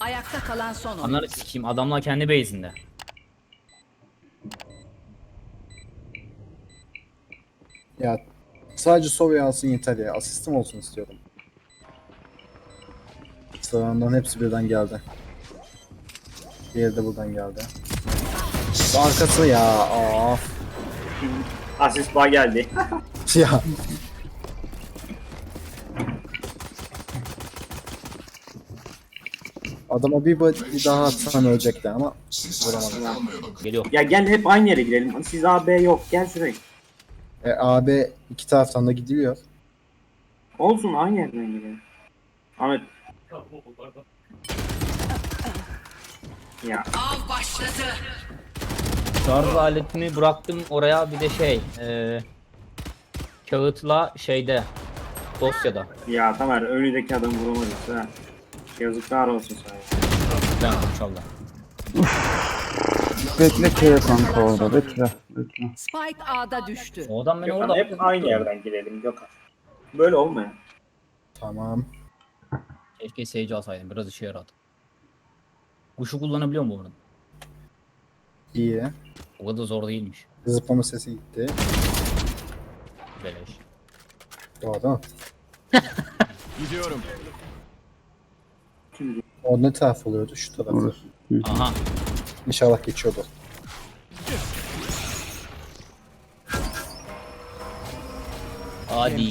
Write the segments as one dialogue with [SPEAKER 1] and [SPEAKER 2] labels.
[SPEAKER 1] Ayakta kalan son oyuncu.
[SPEAKER 2] Anları sikeyim, adamlar kendi base'inde.
[SPEAKER 3] Ya sadece Sova'yı alsın yeter ya. Asistim olsun istiyorum. Sağından hepsi birden geldi. Diğeri de buradan geldi. Arkası ya. Of.
[SPEAKER 4] Asist bağ geldi.
[SPEAKER 3] Ya. Adama bir daha atsam ölecekti ama vuramadım.
[SPEAKER 2] Geliyor.
[SPEAKER 4] Ya gel hep aynı yere girelim. Siz A, B yok. Gel şuraya.
[SPEAKER 3] AB iki taraftan da gidiliyor.
[SPEAKER 4] Olsun aynı yerden girelim. Ahmet. Ya
[SPEAKER 1] Av başladı.
[SPEAKER 2] Şarj aletini bıraktım oraya, bir de kağıtla dosyada.
[SPEAKER 4] ya Tamer önündeki adamı vuramadın ha. Yazıklar olsun sana.
[SPEAKER 2] Ben inşallah.
[SPEAKER 5] Bekle kere kanka orada bekle.
[SPEAKER 1] Spike A'da düştü.
[SPEAKER 2] O adam beni
[SPEAKER 4] Gökhan
[SPEAKER 2] orada...
[SPEAKER 4] hep aynı yerden girelim Gökhan. Böyle olmuyor.
[SPEAKER 3] Tamam.
[SPEAKER 2] Keşke Sage alsaydım, biraz işe yaradı. Kuşu kullanabiliyor mu bunu?
[SPEAKER 3] İyi.
[SPEAKER 2] O kadar zor değilmiş.
[SPEAKER 3] Zıplama sesi gitti.
[SPEAKER 2] Beleş.
[SPEAKER 3] Doğru.
[SPEAKER 6] Gidiyorum.
[SPEAKER 4] Şimdi
[SPEAKER 3] O ne taraf oluyordu? Şu taraf.
[SPEAKER 5] Orası.
[SPEAKER 2] Aha.
[SPEAKER 3] İnşallah geçiyordu.
[SPEAKER 2] Hadi.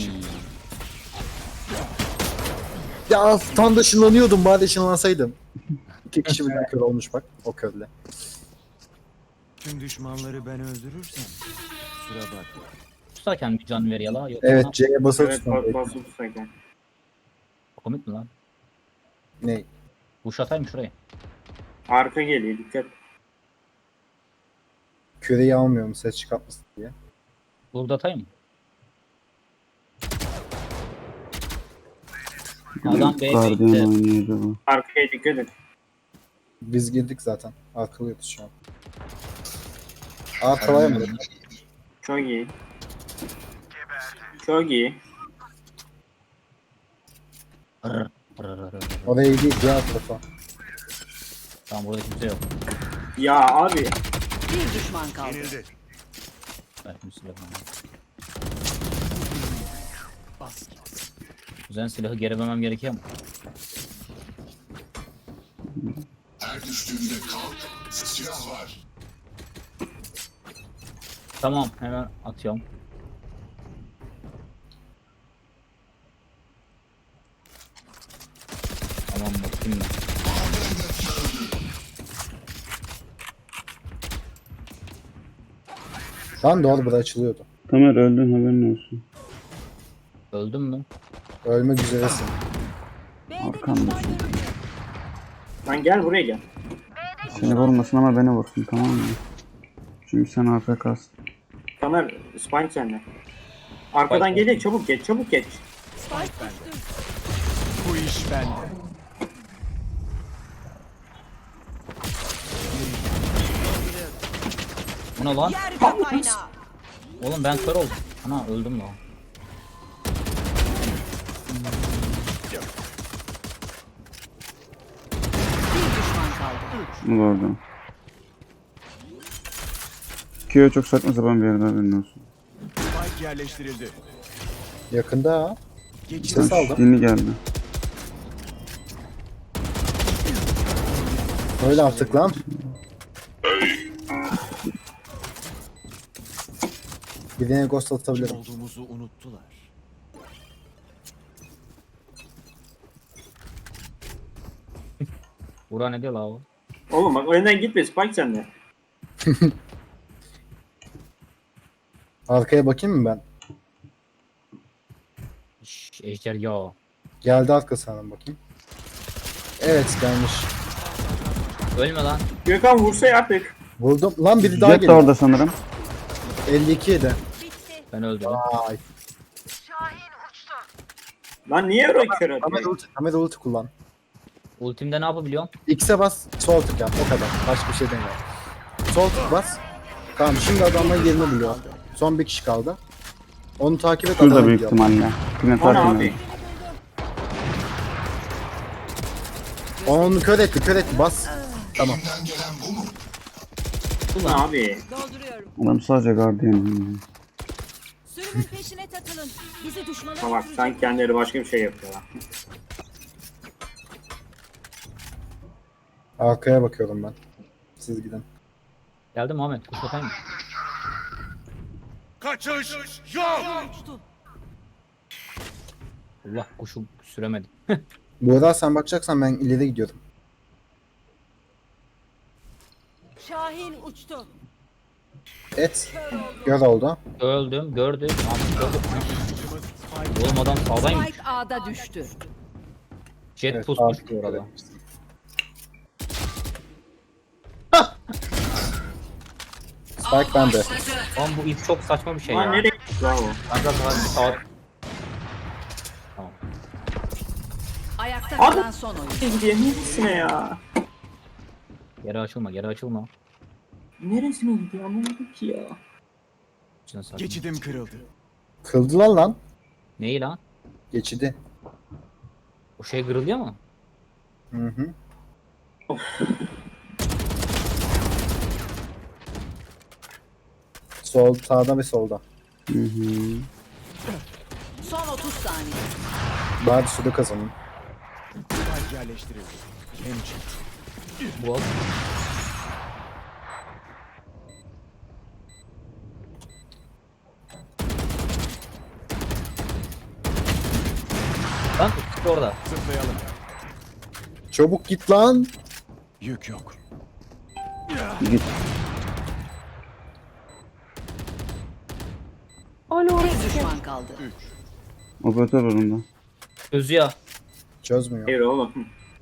[SPEAKER 3] Ya tam da ışınlanıyordum. Bari ışınlansaydım. İki kişi birden kör olmuş bak. O körle.
[SPEAKER 6] Tüm düşmanları ben öldürürsem kusura bakma.
[SPEAKER 2] Tutarken bir can ver yala. Yok,
[SPEAKER 3] Evet C'ye basılı
[SPEAKER 4] evet
[SPEAKER 3] tutmam.
[SPEAKER 4] basıp tutsak.
[SPEAKER 2] Komik mi lan?
[SPEAKER 3] Ne?
[SPEAKER 2] Kuş atayım şuraya.
[SPEAKER 4] Arka geliyor dikkat.
[SPEAKER 3] Küreyi almıyorum ses çıkartmasın diye.
[SPEAKER 2] Burada atayım mı? Adam B
[SPEAKER 5] Guardian
[SPEAKER 2] base'de.
[SPEAKER 5] oynuyordu bu.
[SPEAKER 4] Arkaya dikkat et.
[SPEAKER 3] Biz girdik zaten. Arkalıyoruz şu an. Arkalayamadık.
[SPEAKER 4] Çok iyi. Çok iyi.
[SPEAKER 2] Rrr, rrr, rrr, rrr.
[SPEAKER 3] Oraya değil diğer tarafa.
[SPEAKER 2] Tamam, burada kimse yok.
[SPEAKER 4] Ya abi.
[SPEAKER 1] Bir düşman kaldı.
[SPEAKER 6] Yenildi.
[SPEAKER 2] Belki silah var. Güzel, silahı geri vermem gerekiyor mu? Tamam, hemen atıyorum. Tamam, bakayım ben.
[SPEAKER 3] Lan doğru burada açılıyordu.
[SPEAKER 5] Tamer öldün haberin olsun.
[SPEAKER 2] Öldün mü?
[SPEAKER 3] Ölmek üzeresin.
[SPEAKER 5] Arkanda.
[SPEAKER 4] Lan gel buraya gel.
[SPEAKER 5] Seni vurmasın ama beni vursun tamam mı? Çünkü sen AFK'sın.
[SPEAKER 4] Tamer spine sende. Arkadan geliyor çabuk geç çabuk geç.
[SPEAKER 6] Bu iş bende.
[SPEAKER 2] Bu ne lan?
[SPEAKER 1] Yer kaynağı.
[SPEAKER 2] Oğlum ben kör oldum. Ana öldüm lan.
[SPEAKER 1] Bir düşman kaldı.
[SPEAKER 5] Bu da orada. Kyo çok saçma sapan bir yerde haberin olsun.
[SPEAKER 6] Spike yerleştirildi.
[SPEAKER 3] Yakında ha.
[SPEAKER 6] Geçit
[SPEAKER 3] Ses aldım.
[SPEAKER 5] Yeni geldi.
[SPEAKER 3] Öyle artık lan. Birine ghost atabilirim.
[SPEAKER 6] olduğumuzu unuttular.
[SPEAKER 2] Bura ne diyor la o?
[SPEAKER 4] Oğlum bak önden gitme spike sende.
[SPEAKER 3] Arkaya bakayım mı ben?
[SPEAKER 2] Ejder ya.
[SPEAKER 3] Geldi arkasından bakayım. Evet gelmiş.
[SPEAKER 2] Ölme lan.
[SPEAKER 4] Gökhan vursa artık.
[SPEAKER 3] Vurdum. Lan biri daha
[SPEAKER 5] Jet de
[SPEAKER 3] geliyor.
[SPEAKER 5] orada sanırım.
[SPEAKER 3] 52 yedi.
[SPEAKER 2] Ben öldüm.
[SPEAKER 3] Ay.
[SPEAKER 4] Lan niye öyle kör
[SPEAKER 3] Ahmet ulti kullan.
[SPEAKER 2] Ultimde ne yapabiliyorsun?
[SPEAKER 3] X'e bas, sol tık yap. O kadar. Başka bir şey demiyor. Sol tık bas. Tamam şimdi adamlar yerini buluyor. Son bir kişi kaldı. Onu takip et.
[SPEAKER 5] Şurada
[SPEAKER 3] adamı
[SPEAKER 5] büyük
[SPEAKER 3] buluyor.
[SPEAKER 5] ihtimalle. Yine
[SPEAKER 4] Ana
[SPEAKER 5] takip
[SPEAKER 4] abi.
[SPEAKER 5] edin.
[SPEAKER 3] Onu kör etti bas. Tamam.
[SPEAKER 4] Ne abi?
[SPEAKER 1] Dolduruyorum.
[SPEAKER 5] Adam sadece gardiyan.
[SPEAKER 1] Sürümün peşine takılın. Bizi düşmana
[SPEAKER 4] Ha bak sanki kendileri başka bir şey yapıyorlar.
[SPEAKER 3] Arkaya bakıyorum ben. Siz gidin.
[SPEAKER 2] Geldim Ahmet. Kuş atayım mı?
[SPEAKER 6] Kaçış yok.
[SPEAKER 1] uçtu.
[SPEAKER 2] Allah kuşu süremedim.
[SPEAKER 3] Buğra sen bakacaksan ben ileri gidiyorum.
[SPEAKER 1] Şahin uçtu.
[SPEAKER 3] Et. Gör oldu.
[SPEAKER 2] Öldüm. Gördüm. Ahmet gördüm. Oğlum adam sağdaymış.
[SPEAKER 1] Spike A'da düştü.
[SPEAKER 2] Jet
[SPEAKER 3] Evet,
[SPEAKER 2] pusmuş
[SPEAKER 3] abi.
[SPEAKER 2] bu arada.
[SPEAKER 3] Spike bende.
[SPEAKER 2] Lan bu ip çok saçma bir şey
[SPEAKER 4] Lan
[SPEAKER 2] ya.
[SPEAKER 4] nereye gitti lan o?
[SPEAKER 2] Ben biraz daha sağ... Tamam.
[SPEAKER 1] Ayakta
[SPEAKER 4] Abi.
[SPEAKER 1] kalan son oyun.
[SPEAKER 4] Nereye gidiyor? Neresine ya?
[SPEAKER 2] Geri açılma, geri açılma.
[SPEAKER 4] Neresine gidiyor? Anlamadım ki ya.
[SPEAKER 2] İçine sakin.
[SPEAKER 6] Geçidim kırıldı.
[SPEAKER 3] Kıldılar lan.
[SPEAKER 2] Neyi lan?
[SPEAKER 3] Geçidi.
[SPEAKER 2] O şey kırılıyor mu?
[SPEAKER 3] Hı hı. Sol, sağda ve solda.
[SPEAKER 5] Hı hı.
[SPEAKER 1] Son 30 saniye.
[SPEAKER 3] Bari suda kazanın.
[SPEAKER 6] Spike yerleştirildi. Hem çıktı.
[SPEAKER 2] Bu al. Lan ikisi de orada.
[SPEAKER 6] Zıplayalım.
[SPEAKER 3] Çabuk git lan.
[SPEAKER 6] Yük yok.
[SPEAKER 5] Git.
[SPEAKER 1] Bir düşman kaldı.
[SPEAKER 5] Operatör önünde.
[SPEAKER 2] Özü ya.
[SPEAKER 3] Çözmüyor.
[SPEAKER 4] Hayır oğlum.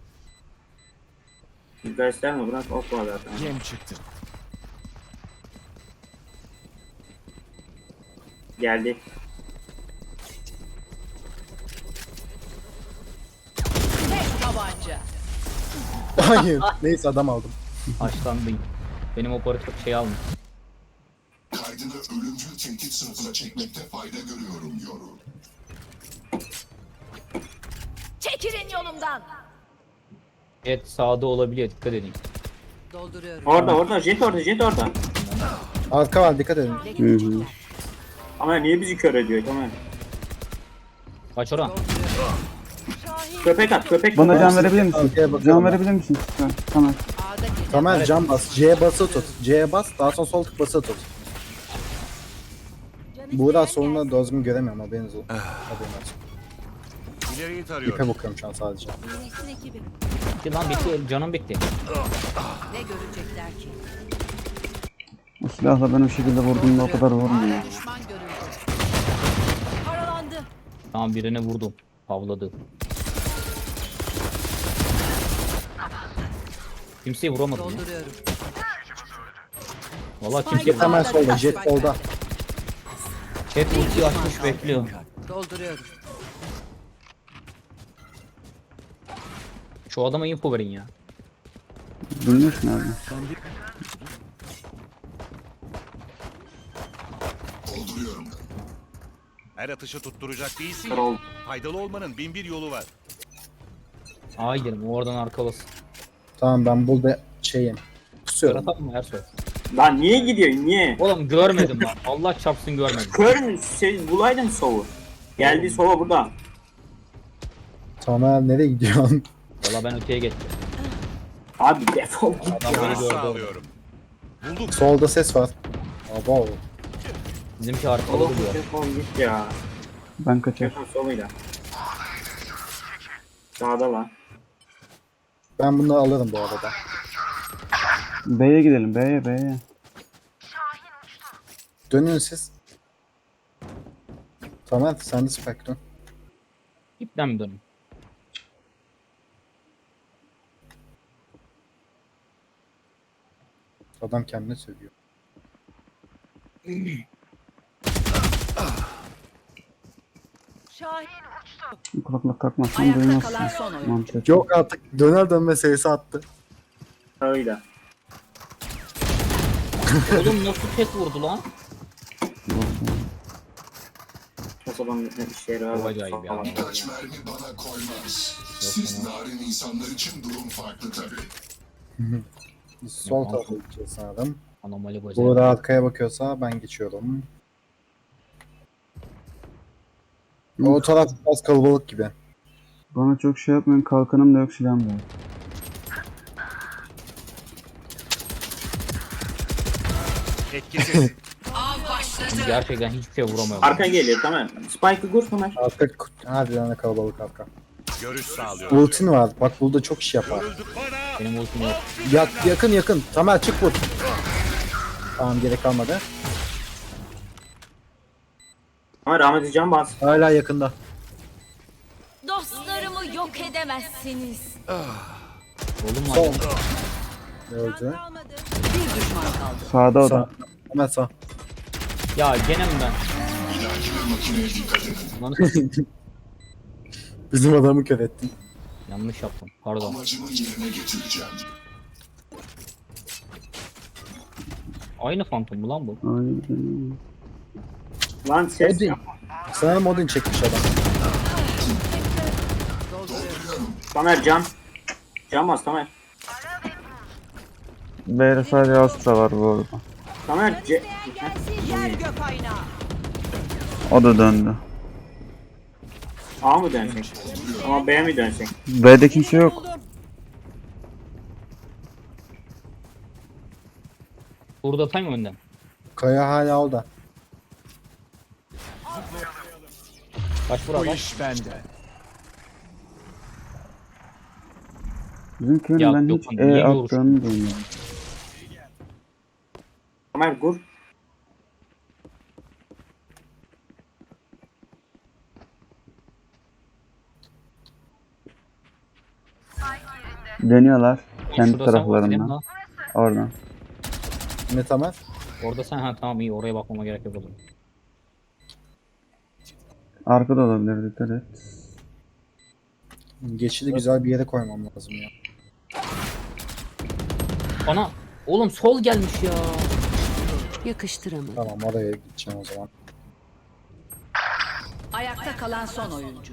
[SPEAKER 4] Gösterme bırak ok var zaten.
[SPEAKER 6] Yem çıktı.
[SPEAKER 4] Geldi.
[SPEAKER 1] Tek tabanca.
[SPEAKER 3] Hayır. Neyse adam aldım.
[SPEAKER 2] Haşlandım. Benim operatör şey almış.
[SPEAKER 7] Kaydını ölümcül tehdit sınıfına çekmekte fayda görüyorum Yoru.
[SPEAKER 1] Çekilin yolumdan.
[SPEAKER 2] Jet sağda olabiliyor, dikkat edin.
[SPEAKER 1] Dolduruyorum.
[SPEAKER 4] Orada jet orada.
[SPEAKER 3] Arka var dikkat edin.
[SPEAKER 5] Hı hı.
[SPEAKER 4] Ama niye bizi kör ediyor tamam.
[SPEAKER 2] Kaç oran?
[SPEAKER 4] Köpek at.
[SPEAKER 5] Bana can verebilir misin?
[SPEAKER 3] Arkaya bakıyorum
[SPEAKER 5] Can
[SPEAKER 3] ben.
[SPEAKER 5] verebilir misin? Tamam.
[SPEAKER 1] A'da gece.
[SPEAKER 3] Tamer cam bas. C'ye bası tut. C'ye bas. Daha sonra sol tık bası tut. Buğra solunda dozunu göremiyorum haberiniz olsun. Haberin olsun.
[SPEAKER 6] İleriyi tarıyorum.
[SPEAKER 3] İpe bakıyorum şu an sadece.
[SPEAKER 1] Yönetsin ekibi.
[SPEAKER 2] Bitti lan bitti, canım bitti.
[SPEAKER 1] Ne görecekler ki?
[SPEAKER 5] O silahla ben o şekilde vurduğumda o kadar vurmuyor.
[SPEAKER 1] A'da düşman görüldü. Paralandı.
[SPEAKER 2] Tamam birine vurdum. Havladı. Kimseyi vuramadım ya.
[SPEAKER 1] Dolduruyorum.
[SPEAKER 2] Valla
[SPEAKER 1] Spike
[SPEAKER 2] kimse
[SPEAKER 3] Hemen
[SPEAKER 1] A'da
[SPEAKER 3] solda.
[SPEAKER 1] düştü.
[SPEAKER 3] Jet solda.
[SPEAKER 2] chat ultiyi açmış bekliyor.
[SPEAKER 1] Dolduruyorum.
[SPEAKER 2] Şu adama info verin ya.
[SPEAKER 5] Bilmiyorsun abi.
[SPEAKER 7] Dolduruyorum.
[SPEAKER 6] Her atışı tutturacak değilsin.
[SPEAKER 4] Kör
[SPEAKER 6] ya.
[SPEAKER 4] oldu.
[SPEAKER 6] Faydalı olmanın bin bir yolu var.
[SPEAKER 2] Aa gidelim oradan arkalasın.
[SPEAKER 3] Tamam ben burada şeyim. Kusuyorum.
[SPEAKER 2] Yaratalım mı Ersoy?
[SPEAKER 4] Lan niye gidiyor niye?
[SPEAKER 2] Oğlum görmedim lan. Allah çarpsın görmedim.
[SPEAKER 4] Kör mü? Bulaydın sovu. Geldi sova burada.
[SPEAKER 3] Tamer nereye gidiyorsun?
[SPEAKER 2] Valla ben öteye geçtim.
[SPEAKER 4] Abi defol git
[SPEAKER 2] Adam
[SPEAKER 4] ya.
[SPEAKER 2] beni
[SPEAKER 6] Görüş
[SPEAKER 2] gördü.
[SPEAKER 6] sağlıyorum. Bulduk.
[SPEAKER 3] Solda ses var. Abo.
[SPEAKER 2] Bizimki arkalı
[SPEAKER 4] Oğlum
[SPEAKER 2] duruyor.
[SPEAKER 4] defol git ya.
[SPEAKER 5] Ben kaçar.
[SPEAKER 4] Defol soluyla. Sağda lan.
[SPEAKER 3] Ben bunu alırım bu arada.
[SPEAKER 5] B'ye gidelim. B'ye.
[SPEAKER 3] Dönün siz. Tamer sen de Spectrum.
[SPEAKER 2] İpten mi dönün?
[SPEAKER 3] Adam kendine sövüyor.
[SPEAKER 1] Şahin
[SPEAKER 5] Kulaklık takmazsan
[SPEAKER 1] ayakta
[SPEAKER 5] duymazsın.
[SPEAKER 1] kalan son oyun.
[SPEAKER 5] Mantık.
[SPEAKER 3] Yok artık döner dönme sesi attı.
[SPEAKER 4] Sağıyla.
[SPEAKER 2] Oğlum nasıl tek vurdu lan?
[SPEAKER 4] olan bir şey yarar.
[SPEAKER 2] Çok acayip ya.
[SPEAKER 7] Kaç mermi bana koymaz. Siz narin insanlar için durum farklı tabii.
[SPEAKER 3] Biz sol tarafa gideceğiz sanırım.
[SPEAKER 2] Anomali
[SPEAKER 3] Bu
[SPEAKER 2] bacayı.
[SPEAKER 3] da arkaya bakıyorsa ben geçiyorum. O taraf biraz kalabalık gibi.
[SPEAKER 5] Bana çok şey yapmayın. Kalkanım da yok, silahım da yok.
[SPEAKER 6] Etkisiz.
[SPEAKER 2] Gerçekten hiçbir şey vuramıyorum.
[SPEAKER 4] Arka geliyor tamam. Spike'ı kur Ömer.
[SPEAKER 3] Arka harbiden de kalabalık arka.
[SPEAKER 6] Görüş sağlıyor.
[SPEAKER 3] Ultin var. Bak burada çok iş yapar.
[SPEAKER 6] Görüldük bana.
[SPEAKER 2] Benim ultim yok.
[SPEAKER 3] Yakın. Tamer çık vur. Tamam gerek kalmadı.
[SPEAKER 4] Ama rahmetli can bas.
[SPEAKER 3] Hala yakında.
[SPEAKER 1] Dostlarımı yok edemezsiniz.
[SPEAKER 2] Oğlum
[SPEAKER 3] Sol.
[SPEAKER 2] var.
[SPEAKER 3] Öldü.
[SPEAKER 1] Kalmadı.
[SPEAKER 5] Sağda o
[SPEAKER 3] Sağ.
[SPEAKER 5] da.
[SPEAKER 3] Hemen sağ.
[SPEAKER 2] Ya gene mi ben?
[SPEAKER 7] Bir dahaki makineye dikkat edin.
[SPEAKER 2] Lan
[SPEAKER 3] Bizim adamı kör ettin.
[SPEAKER 2] yanlış yaptım. Pardon.
[SPEAKER 7] Amacımı yerine getireceğim.
[SPEAKER 2] Aynı Phantom mu lan bu?
[SPEAKER 5] Aynen.
[SPEAKER 4] Lan ses
[SPEAKER 3] Odin.
[SPEAKER 4] yapma.
[SPEAKER 3] Sanırım Odin çekmiş adam.
[SPEAKER 4] Tamer can. Can bas Tamer.
[SPEAKER 5] B'de sadece Astra var bu arada.
[SPEAKER 4] Tamer C...
[SPEAKER 1] Yer gök aynağı.
[SPEAKER 5] O da döndü.
[SPEAKER 4] A mı dönsek? Ama B mi dönsek?
[SPEAKER 5] B'de kimse yok.
[SPEAKER 2] Burada atayım mı önden?
[SPEAKER 3] Kaya hala orada.
[SPEAKER 2] Kaç vura bak.
[SPEAKER 5] Bizimkinin
[SPEAKER 2] Ya
[SPEAKER 5] ben
[SPEAKER 2] yok,
[SPEAKER 5] hiç
[SPEAKER 2] niye
[SPEAKER 5] attığını bilmiyorum.
[SPEAKER 4] Tamer kur.
[SPEAKER 5] Deniyorlar. Kendi
[SPEAKER 2] Şurada sen vur, değil mi
[SPEAKER 5] taraflarından.
[SPEAKER 2] lan?
[SPEAKER 5] Oradan.
[SPEAKER 3] Ne Tamer?
[SPEAKER 2] Orada sen ha tamam iyi oraya bakmama gerek yok o zaman.
[SPEAKER 5] Arkada olabilir, dikkat et.
[SPEAKER 3] Geçidi güzel bir yere koymam lazım ya.
[SPEAKER 2] Ana oğlum sol gelmiş ya.
[SPEAKER 1] Yakıştıramadım.
[SPEAKER 3] Tamam oraya gideceğim o zaman.
[SPEAKER 1] Ayakta kalan son oyuncu.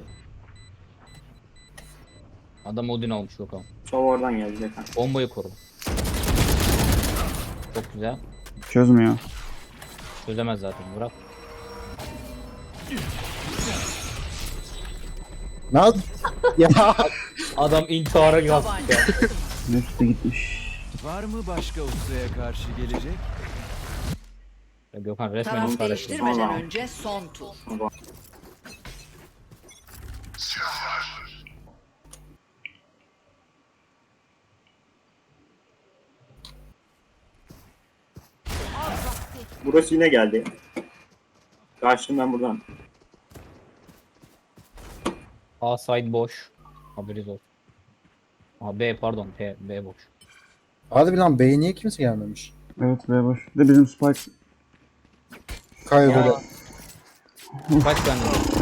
[SPEAKER 2] Adam Odin almış bakalım.
[SPEAKER 4] Sol oradan geldi zaten.
[SPEAKER 2] Bombayı koru. Çok güzel.
[SPEAKER 5] Çözmüyor.
[SPEAKER 2] Çözemez zaten bırak.
[SPEAKER 3] Ne yap? Ya
[SPEAKER 2] Adam intihara kalktı ya.
[SPEAKER 5] Hepsi gitmiş.
[SPEAKER 8] Var mı başka ustaya karşı gelecek?
[SPEAKER 2] Gökhan resmen
[SPEAKER 1] Taraf
[SPEAKER 2] intihar etti.
[SPEAKER 1] değiştirmeden
[SPEAKER 4] Vallahi.
[SPEAKER 1] önce son tur.
[SPEAKER 4] Burası yine geldi. Kaçtım ben buradan.
[SPEAKER 2] A side boş. Haberiniz olsun. A B pardon B boş.
[SPEAKER 3] hadi lan B'ye niye kimse gelmemiş?
[SPEAKER 5] Evet, B boş. Bir de bizim Spike.
[SPEAKER 3] Kaya
[SPEAKER 2] Ya.
[SPEAKER 3] böyle.
[SPEAKER 2] Kaç tane?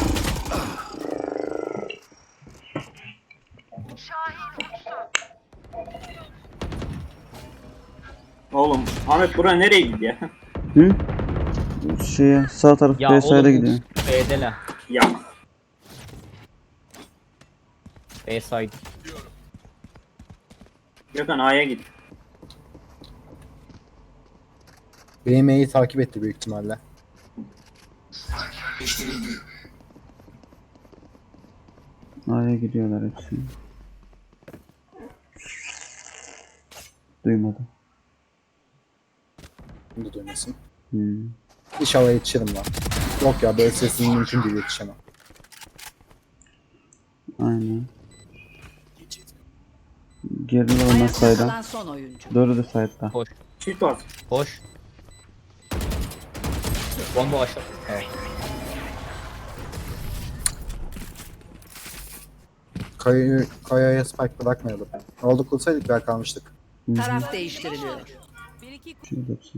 [SPEAKER 4] Oğlum Ahmet bura nereye gidiyor?
[SPEAKER 5] Hı? Şeye, sağ taraf
[SPEAKER 2] Ya
[SPEAKER 5] B side'a
[SPEAKER 2] oğlum
[SPEAKER 5] gidiyor.
[SPEAKER 2] B'deler.
[SPEAKER 4] Ya
[SPEAKER 2] B side.
[SPEAKER 4] Gökhan A'ya git.
[SPEAKER 3] Benim E'yi takip etti büyük ihtimalle.
[SPEAKER 7] Değiştirildi.
[SPEAKER 5] A'ya gidiyorlar hepsi. Duymadım.
[SPEAKER 3] Bunu da duymasın.
[SPEAKER 5] Hmm.
[SPEAKER 3] İnşallah yetişirim lan. Yok ya böyle sesinin mümkün değil yetişemem.
[SPEAKER 5] Aynen. Geride olmaz
[SPEAKER 1] Ayakta
[SPEAKER 5] saydan.
[SPEAKER 1] kalan son oyuncu.
[SPEAKER 5] Doğru da side'da.
[SPEAKER 2] Koş.
[SPEAKER 4] Çift bas.
[SPEAKER 2] Koş. Bomba aşağı. Evet.
[SPEAKER 3] Kaya'ya spike bırakmayalım. Oldu kılsaydık belki kalmıştık.
[SPEAKER 1] Taraf değiştiriliyor.
[SPEAKER 5] Şimdi hepsi.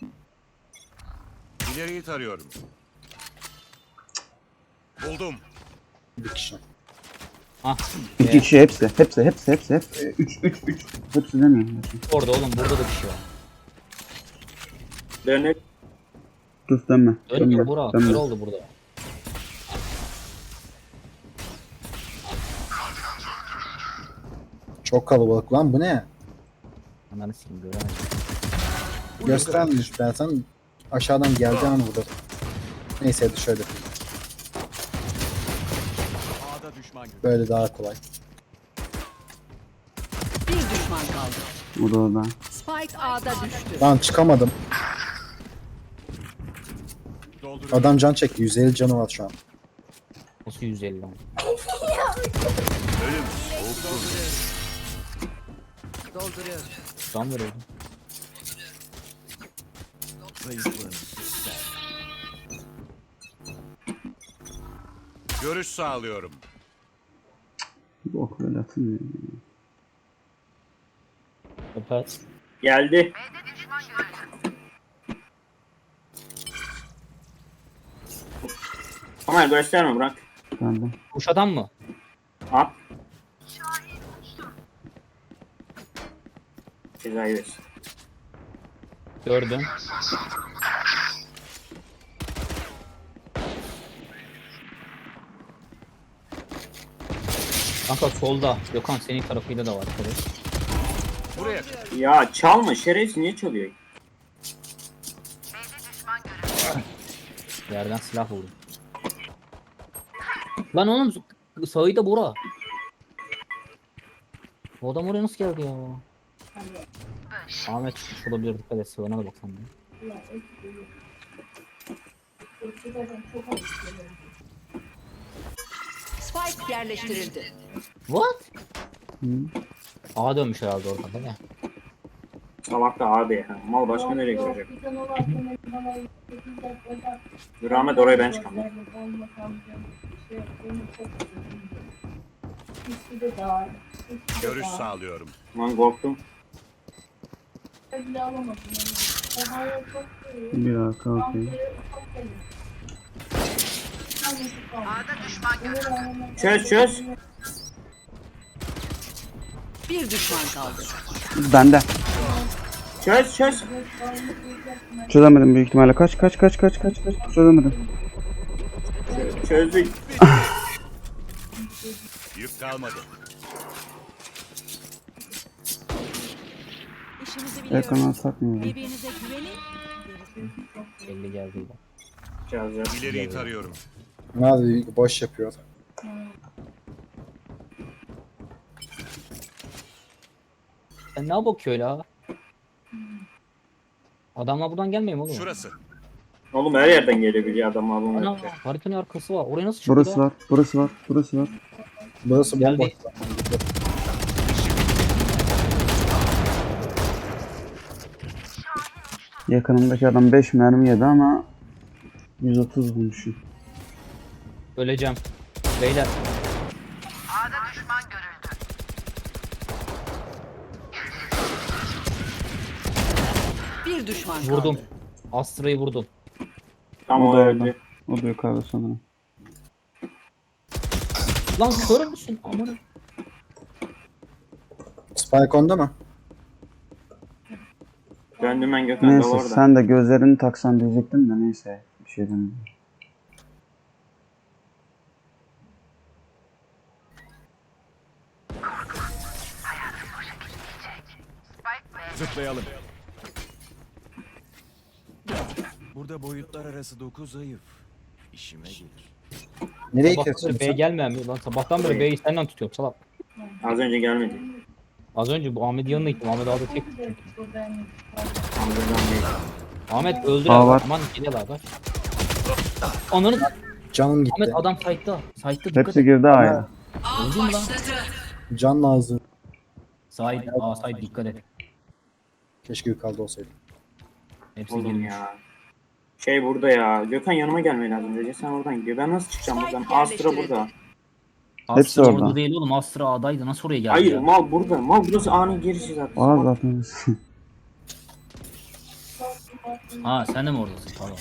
[SPEAKER 6] İleriyi tarıyorum. Buldum.
[SPEAKER 3] Bir kişi.
[SPEAKER 2] Ah.
[SPEAKER 5] İki kişi hepsi. Hepsi. 3. Hepsi demiyorum.
[SPEAKER 2] Orada oğlum burada da bir şey var.
[SPEAKER 4] Döner.
[SPEAKER 5] Dur dönme.
[SPEAKER 2] Dönmüyor
[SPEAKER 5] Dönme.
[SPEAKER 2] Burak.
[SPEAKER 5] Dönme.
[SPEAKER 2] Kör oldu burada.
[SPEAKER 3] Çok kalabalık lan, bu ne?
[SPEAKER 2] Ananı sikeyim göremedim.
[SPEAKER 3] Göstermiş, ben sana aşağıdan geleceğim burada. Neyse hadi şöyle yapayım.
[SPEAKER 8] A'da düşman görüldü.
[SPEAKER 3] Böyle daha kolay.
[SPEAKER 1] Bir düşman kaldı.
[SPEAKER 5] Bu da orada.
[SPEAKER 1] Spike A'da düştü.
[SPEAKER 3] Lan çıkamadım.
[SPEAKER 8] Dolduruyorum.
[SPEAKER 3] Adam can çekti. 150 canı var şu an.
[SPEAKER 2] Nasıl 150 lan?
[SPEAKER 6] Ölüm soğuktur.
[SPEAKER 1] Dolduruyorum.
[SPEAKER 2] Can veriyordu.
[SPEAKER 8] Zayıflığını
[SPEAKER 6] Görüş sağlıyorum.
[SPEAKER 5] Bok böyle atılmıyor.
[SPEAKER 2] Öper.
[SPEAKER 4] Geldi. Ama gösterme bırak.
[SPEAKER 5] Ben de.
[SPEAKER 2] Kuş adam mı?
[SPEAKER 4] At. Cezayı versin.
[SPEAKER 2] Gördüm. Kanka solda. Gökhan senin tarafıyla da var. Şöyle.
[SPEAKER 6] Buraya.
[SPEAKER 4] Ya çalma şerefsiz, niye çalıyor?
[SPEAKER 2] Yerden silah vurdum. Lan oğlum sağı da bura. Bu adam oraya nasıl geldi ya? Ahmet çıkmış olabilir, dikkat et, sığına da baksana.
[SPEAKER 1] Spike yerleştirildi.
[SPEAKER 2] What?
[SPEAKER 5] Hı.
[SPEAKER 2] Ağa dönmüş herhalde orada değil mi?
[SPEAKER 4] Salak da abi ya. Mal başka nereye görecek? Dur Ahmet, oraya ben çıkamam.
[SPEAKER 6] Görüş sağlıyorum.
[SPEAKER 4] Lan korktum.
[SPEAKER 5] Bir arka okey.
[SPEAKER 4] Çöz çöz.
[SPEAKER 1] Bir düşman kaldı.
[SPEAKER 5] Bende.
[SPEAKER 4] Çöz çöz.
[SPEAKER 5] Çözemedim büyük ihtimalle. Kaç. Çözemedim.
[SPEAKER 4] Çözdük.
[SPEAKER 6] Yük kalmadı.
[SPEAKER 1] İşimizi biliyoruz.
[SPEAKER 5] Ekrana takmıyorum.
[SPEAKER 1] Birbirinize güvenin.
[SPEAKER 2] Belli geldi de.
[SPEAKER 4] Çöz.
[SPEAKER 6] İleriyi tarıyorum.
[SPEAKER 3] Abi boş yapıyor.
[SPEAKER 2] Sen ne bakıyor la? Adamlar buradan gelmiyor mu oğlum?
[SPEAKER 6] Şurası.
[SPEAKER 4] Oğlum her yerden gelebiliyor adam abi.
[SPEAKER 2] Ana haritanın arkası var. Oraya nasıl çıktı?
[SPEAKER 5] Burası var.
[SPEAKER 3] Burası
[SPEAKER 2] Geldi.
[SPEAKER 3] bomboş.
[SPEAKER 5] Yakınımdaki adam 5 mermi yedi ama 130 vurmuşum.
[SPEAKER 2] Öleceğim. Beyler.
[SPEAKER 1] Bir düşman kaldı.
[SPEAKER 2] Vurdum. Astra'yı vurdum.
[SPEAKER 4] Tam
[SPEAKER 5] O
[SPEAKER 4] o
[SPEAKER 5] da orada.
[SPEAKER 4] öldü.
[SPEAKER 5] O da yukarıda sanırım.
[SPEAKER 2] Lan kör müsün? Aman.
[SPEAKER 3] Spike onda mı?
[SPEAKER 4] Döndüm ben, Gökhan da
[SPEAKER 5] Neyse
[SPEAKER 4] orada.
[SPEAKER 5] sen de gözlerini taksan diyecektim de neyse. Bir şey demiyorum.
[SPEAKER 8] Zıplayalım. Burada boyutlar arası 9 zayıf. İşime gelir.
[SPEAKER 3] Nereye
[SPEAKER 2] Sabahtan
[SPEAKER 3] kesiyorsun
[SPEAKER 2] beri B'ye
[SPEAKER 3] sen?
[SPEAKER 2] gelmeyen mi? Lan sabahtan beri B'yi senden tutuyorum salak.
[SPEAKER 4] Az önce gelmedi.
[SPEAKER 2] Az önce bu Ahmet'in yanına gittim. Ahmet abi tek tuttum.
[SPEAKER 4] Anladım değil.
[SPEAKER 2] Ahmet öldür
[SPEAKER 5] Aa,
[SPEAKER 2] abi.
[SPEAKER 5] var.
[SPEAKER 2] Aman geliyorlar bak. Ananı
[SPEAKER 3] Canım gitti.
[SPEAKER 2] Ahmet adam site'da. Site'da dikkat
[SPEAKER 5] Hepsi
[SPEAKER 2] et.
[SPEAKER 5] girdi A'ya.
[SPEAKER 2] Öldü mü lan?
[SPEAKER 3] Can lazım.
[SPEAKER 2] Side. Aa side dikkat et.
[SPEAKER 3] Keşke yukarıda olsaydı.
[SPEAKER 2] Hepsi
[SPEAKER 4] Oğlum
[SPEAKER 2] girmiş.
[SPEAKER 4] ya. Şey burada ya. Gökhan yanıma gelmeye lazım. Recep sen oradan gidiyor. Ben nasıl çıkacağım buradan? Astra burada.
[SPEAKER 5] Hepsi
[SPEAKER 2] Astra
[SPEAKER 5] orada.
[SPEAKER 2] orada değil oğlum. Astra A'daydı. Nasıl oraya geldi
[SPEAKER 4] Hayır
[SPEAKER 2] ya?
[SPEAKER 4] mal burada. Mal burası A'nın girişi zaten.
[SPEAKER 5] Aa zaten.
[SPEAKER 2] Ha sen de mi oradasın? Tamam.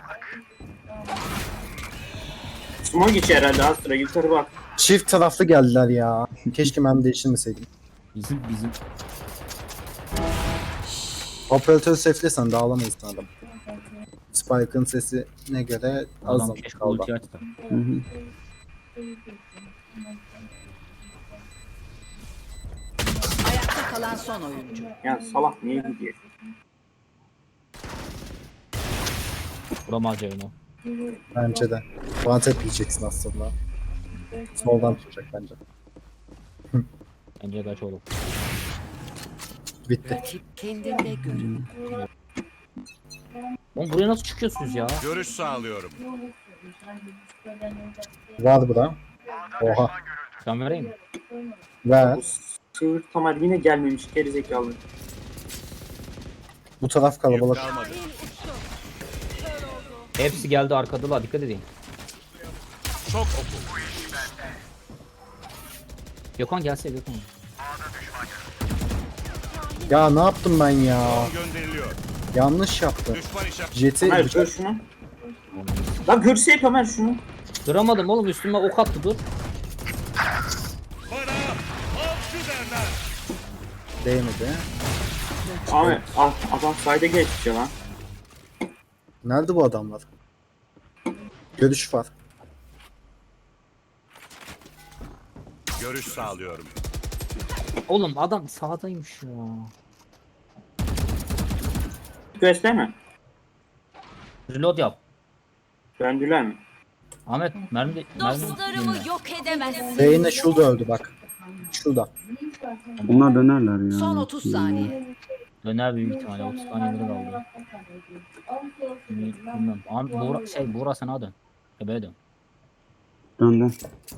[SPEAKER 4] Smoke içi herhalde Astra. Yukarı bak.
[SPEAKER 3] Çift taraflı geldiler ya. Keşke ben değiştirmeseydim.
[SPEAKER 2] Bizim
[SPEAKER 3] Operatörü safe'lesen dağılamayız adam. Spike'ın sesine göre az
[SPEAKER 2] adam
[SPEAKER 3] zaman
[SPEAKER 2] keşke
[SPEAKER 3] kaldı.
[SPEAKER 2] ulti açtı.
[SPEAKER 5] Hı hı.
[SPEAKER 1] kalan son oyuncu.
[SPEAKER 4] Ya salak niye gidiyor?
[SPEAKER 2] Vuramaz Ceyno.
[SPEAKER 3] Bence de. One yiyeceksin aslında. Soldan tutacak bence.
[SPEAKER 2] Bence kaç olur.
[SPEAKER 3] Bitti.
[SPEAKER 1] Rakip kendinde görün.
[SPEAKER 2] Oğlum buraya nasıl çıkıyorsunuz ya?
[SPEAKER 6] Görüş sağlıyorum.
[SPEAKER 3] Var bu da. Oha.
[SPEAKER 2] Ben vereyim mi?
[SPEAKER 3] Ver.
[SPEAKER 4] Bu sığır Tamer yine gelmemiş gerizekalı.
[SPEAKER 3] Bu taraf
[SPEAKER 6] Yük
[SPEAKER 3] kalabalık.
[SPEAKER 6] kalmadı.
[SPEAKER 2] Hepsi geldi arkadalar, dikkat edin.
[SPEAKER 6] Çok oku.
[SPEAKER 2] Gökhan gelse Gökhan.
[SPEAKER 3] Ya ne yaptım ben ya?
[SPEAKER 6] Drone gönderiliyor.
[SPEAKER 3] Yanlış yaptım.
[SPEAKER 6] Düşman işaret.
[SPEAKER 3] Jeti
[SPEAKER 4] Tamer gör şunu. Lan görseye Tamer şunu.
[SPEAKER 2] Duramadım oğlum, üstüme ok attı, dur.
[SPEAKER 6] Bana avcı derler.
[SPEAKER 3] değmedi.
[SPEAKER 4] Ahmet adam sayda geçmiş ya lan.
[SPEAKER 3] Nerede bu adamlar? Görüş var.
[SPEAKER 6] Görüş sağlıyorum.
[SPEAKER 2] Oğlum adam sağdaymış ya.
[SPEAKER 4] Gösterme.
[SPEAKER 2] Reload yap.
[SPEAKER 4] Döndüler mi?
[SPEAKER 2] Ahmet mermi
[SPEAKER 1] Dostlarımı
[SPEAKER 2] dinle.
[SPEAKER 1] yok edemezsin.
[SPEAKER 3] Beyne şurada öldü bak. Şurada.
[SPEAKER 5] Bunlar dönerler ya.
[SPEAKER 1] Son 30 saniye.
[SPEAKER 2] Döner büyük ihtimalle, 30 saniyeleri kaldı. Bilmem. Ahmet Buğra sana dön. Bebeğe dön.
[SPEAKER 5] Döndüm.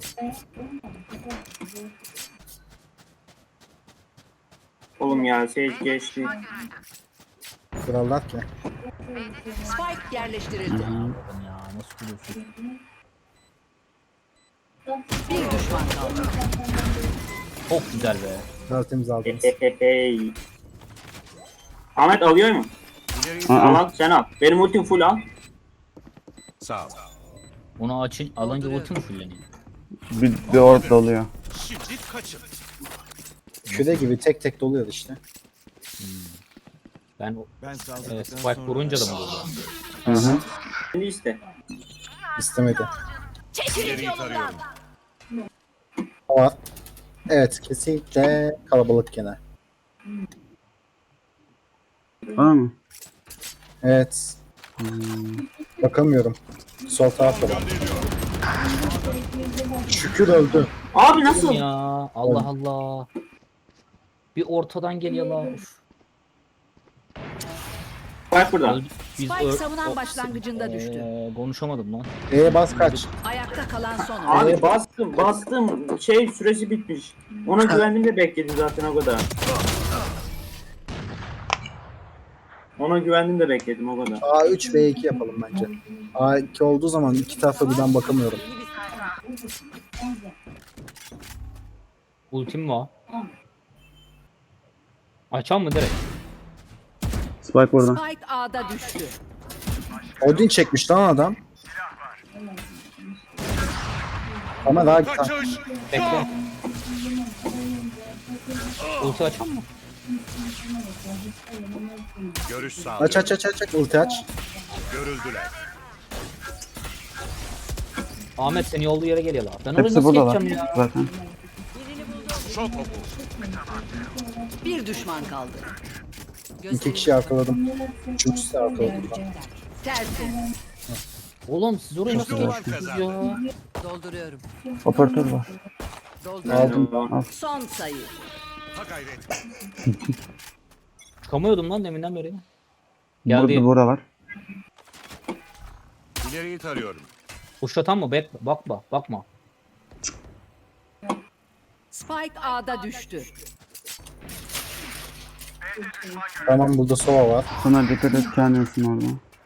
[SPEAKER 4] Oğlum ya Sage geçti.
[SPEAKER 3] Krallar ki.
[SPEAKER 1] Spike yerleştirildi.
[SPEAKER 2] Oğlum ya nasıl kuruyorsun?
[SPEAKER 1] Bir düşman kaldı.
[SPEAKER 2] Çok güzel be.
[SPEAKER 3] Tertemiz aldınız.
[SPEAKER 4] Hey. Ahmet alıyor mu?
[SPEAKER 6] İleri
[SPEAKER 5] Aa.
[SPEAKER 4] Al sen al. Benim ultim full al.
[SPEAKER 6] sağ ol.
[SPEAKER 2] Onu alınca ulti mi fulleniyor?
[SPEAKER 5] Bir orada oluyor.
[SPEAKER 6] Şimdi kaçın.
[SPEAKER 3] Küre gibi tek tek doluyor işte.
[SPEAKER 2] Ben
[SPEAKER 8] Ben saldıktan
[SPEAKER 2] Spike
[SPEAKER 8] sonra
[SPEAKER 2] vurunca da mı oldu?
[SPEAKER 5] Hı hı.
[SPEAKER 4] Şimdi iste.
[SPEAKER 3] İstemedi.
[SPEAKER 1] Çekilin
[SPEAKER 6] İleriyi
[SPEAKER 1] yolundan.
[SPEAKER 6] tarıyorum.
[SPEAKER 3] Ama evet kesinlikle kalabalık gene.
[SPEAKER 5] Var mı?
[SPEAKER 3] Evet. Bakamıyorum. Sol tarafta var. Şükür öldü.
[SPEAKER 4] Abi nasıl?
[SPEAKER 2] Ya Allah Allah. Bir ortadan geliyor la. Uf.
[SPEAKER 4] Bak burada.
[SPEAKER 2] Öldü.
[SPEAKER 1] Spike savunan başlangıcında düştü.
[SPEAKER 2] Konuşamadım lan.
[SPEAKER 3] Bas kaç.
[SPEAKER 1] Ayakta kalan son oyuncu.
[SPEAKER 4] Abi bastım. Şey süresi bitmiş. Ona güvendim de bekledim zaten o kadar. Ona güvendim de bekledim o kadar.
[SPEAKER 3] A3 B2 yapalım bence. A2 olduğu zaman iki tarafa birden bakamıyorum.
[SPEAKER 2] Ultim var. Açan mı direkt?
[SPEAKER 5] Spike burada.
[SPEAKER 1] Spike A'da düştü.
[SPEAKER 3] Odin çekmiş lan adam. Ama daha
[SPEAKER 6] Kaçış.
[SPEAKER 2] Bekle. Ulti açan mı?
[SPEAKER 6] Görüş
[SPEAKER 3] aç
[SPEAKER 6] sağlıyorum.
[SPEAKER 3] aç ulti aç.
[SPEAKER 6] Görüldüler.
[SPEAKER 2] Ahmet seni olduğu yere geliyorlar. Ben oraya
[SPEAKER 5] Hepsi
[SPEAKER 2] nasıl
[SPEAKER 5] buradalar
[SPEAKER 2] geçeceğim ya?
[SPEAKER 5] zaten.
[SPEAKER 6] Çok oku.
[SPEAKER 1] Bir düşman kaldı.
[SPEAKER 3] İki kişi arkaladım. Üçüncüsü de arkaladım.
[SPEAKER 1] Tersi.
[SPEAKER 2] Oğlum siz oraya nasıl
[SPEAKER 6] Duvar
[SPEAKER 2] geçtiniz
[SPEAKER 6] kazandı.
[SPEAKER 2] ya?
[SPEAKER 1] Dolduruyorum.
[SPEAKER 5] Operatör var.
[SPEAKER 1] Dolduruyorum.
[SPEAKER 3] Aldım.
[SPEAKER 1] Son sayı.
[SPEAKER 6] Ha gayret.
[SPEAKER 2] Çıkamıyordum lan deminden beri. Geldi.
[SPEAKER 5] Burada bura var.
[SPEAKER 6] İleriyi tarıyorum.
[SPEAKER 2] Kuşlatan mı? Bakma.
[SPEAKER 1] Spike A'da düştü.
[SPEAKER 3] Tamam burada sova var.
[SPEAKER 5] Sana dikkat et kendinsin orada.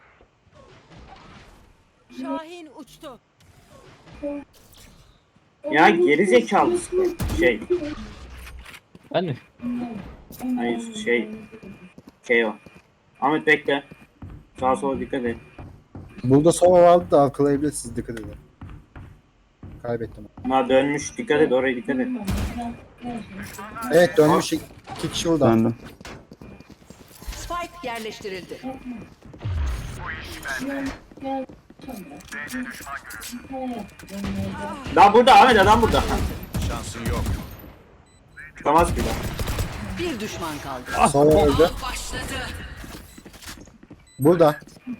[SPEAKER 1] Şahin uçtu.
[SPEAKER 4] Ya geri zekalı şey.
[SPEAKER 2] Ben mi?
[SPEAKER 4] Hayır şey o. Ahmet bekle. Sağa sola dikkat et.
[SPEAKER 3] Burada sova vardı da arkalayabilirsiniz dikkat edin. Kaybettim.
[SPEAKER 4] Ama dönmüş dikkat et oraya dikkat et.
[SPEAKER 3] Evet dönmüş iki kişi burada.
[SPEAKER 5] Döndüm.
[SPEAKER 1] Spike yerleştirildi.
[SPEAKER 4] Daha burada Ahmet adam burada.
[SPEAKER 6] Şansın yok.
[SPEAKER 4] Çıkamaz ki daha.
[SPEAKER 1] Bir düşman kaldı.
[SPEAKER 3] Sova öldü. Burada.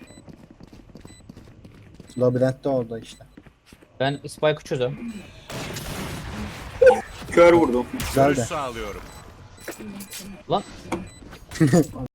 [SPEAKER 3] Labirentte orada işte.
[SPEAKER 2] Ben Spike'ı çözüyorum.
[SPEAKER 4] Kör vurdum.
[SPEAKER 3] Güzel
[SPEAKER 6] Görüş
[SPEAKER 3] de.
[SPEAKER 6] sağlıyorum.
[SPEAKER 2] Lan